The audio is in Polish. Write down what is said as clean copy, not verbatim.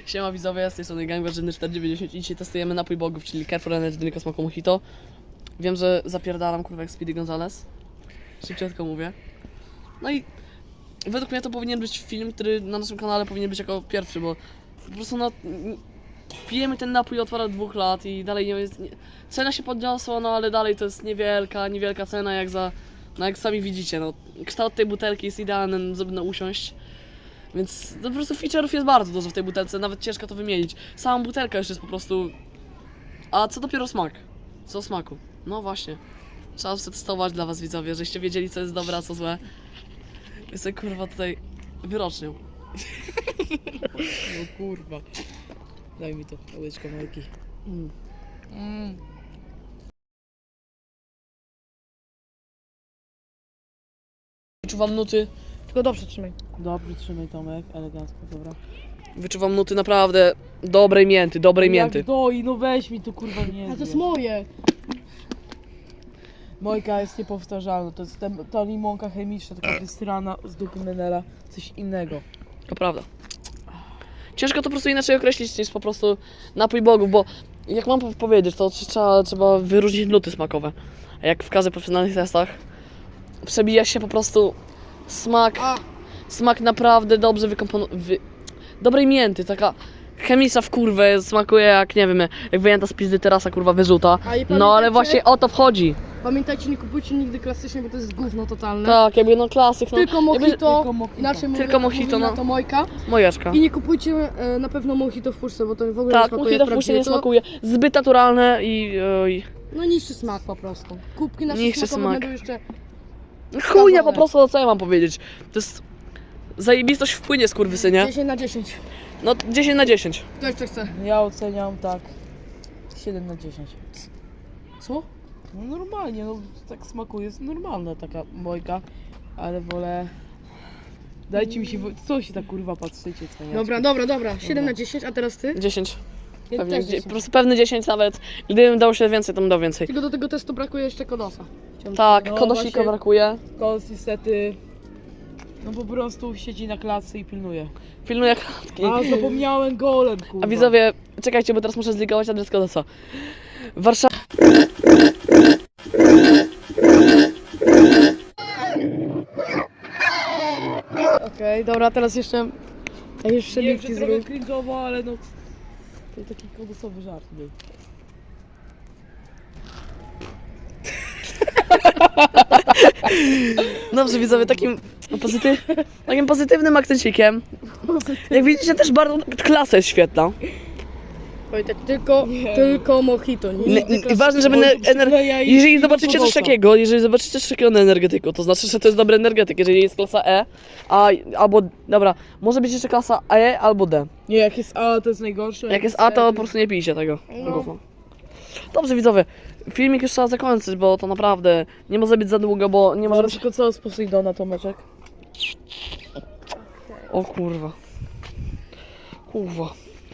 Siema widzowie, z tej strony Gang Warzywny 490 i dzisiaj testujemy napój bogów, czyli Carrefour Energy Drink o smaku mojito. Wiem, że zapierdalam kurwa jak Speedy Gonzales. Szybciutko mówię. No i według mnie to powinien być film, który na naszym kanale powinien być jako pierwszy, bo po prostu no... Pijemy ten napój od ponad 2 lat i dalej nie jest... Cena się podniosła, no ale dalej to jest niewielka cena jak za... No jak sami widzicie, no kształt tej butelki jest idealny, żeby usiąść. Więc no, po prostu feature'ów jest bardzo dużo w tej butelce, nawet ciężko to wymienić. Sama butelka już jest po prostu... A co dopiero smak? Co o smaku? No właśnie. Trzeba przetestować dla was widzowie, żeście wiedzieli co jest dobre, a co złe. Jestem kurwa tutaj wyrocznią. No kurwa. Daj mi to, łyczka Majki. Wyczuwam nuty. Tylko dobrze trzymaj. Dobrze trzymaj Tomek, elegancko, dobra. Wyczuwam nuty naprawdę dobrej mięty, Jak doi, no weź mi tu kurwa nie. A to jest moje! Mojka jest niepowtarzalna, to jest ta limonka chemiczna, taka wystrana z dupy Menela, coś innego. To prawda. Ciężko to po prostu inaczej określić niż po prostu napój bogów, bo jak mam powiedzieć, to trzeba wyróżnić nuty smakowe. A jak w każdych profesjonalnych testach przebija się po prostu smak naprawdę dobrze dobrej mięty, taka chemiczna w kurwę, smakuje jak, nie wiem, jak wyjęta z pizdy terasa, kurwa, wyrzuta. No ale właśnie o to wchodzi. Pamiętajcie, nie kupujcie nigdy klasycznie, bo to jest gówno totalne. Tak, jakby no klasyk, no. Tylko mojito, Tylko mojito. inaczej Tylko mojito, mówi no. na to mojka. Mojeczka. I nie kupujcie na pewno mojito w puszce, bo to w ogóle nie Tak, smakuje mojito w puszce nie prawdziwie. smakuje. Zbyt naturalne i... No niższy smak po prostu. Kubki nasze Niższy smakowe smak. będą jeszcze... Chujnia po prostu, no co ja mam powiedzieć. To jest... Zajebistość wpłynie, skurwysynie. 10 na 10. No 10 na 10. Kto jeszcze chce? Ja oceniam tak 7 na 10. Co? No normalnie, no tak smakuje, jest normalna taka mojka, ale wolę... Dajcie mi się, co się tak kurwa patrzycie, cwaniaczki? Dobra. 7 na 10, a teraz ty? 10. Ja Pewnie, też po 10. prostu pewny 10 nawet. Gdybym dał się więcej, to bym dał więcej. Tylko do tego testu brakuje jeszcze kodosa. Tak, No kodosika właśnie. brakuje. Kos niestety, no po prostu siedzi na klatce i pilnuje. Pilnuję klatki. A zapomniałem golem, kurwa. A widzowie, czekajcie, bo teraz muszę zligować adres kodosa. Warszawa. Okej, dobra, teraz jeszcze... Jeszcze Nie wiem, że lipki trochę zrób. cringe'owo, ale no... To taki kodosowy żart był. Dobrze widzowie, takim pozytywnym akcencikiem. Jak widzicie też bardzo klasa jest świetna. Wojtek, tylko mojito. Ważne, żeby jeżeli zobaczycie coś takiego na energetyku, to znaczy, że to jest dobry energetyk. Jeżeli jest klasa E, albo, dobra, może być jeszcze klasa E albo D. Nie, jak jest A, to jest najgorsze. Jak jest A, to po prostu nie pijcie tego. No. Dobrze widzowie, filmik już trzeba zakończyć, bo to naprawdę nie może być za długo, bo nie może Może być... tylko co z Poseidona, Tomeczek? O kurwa. Kurwa.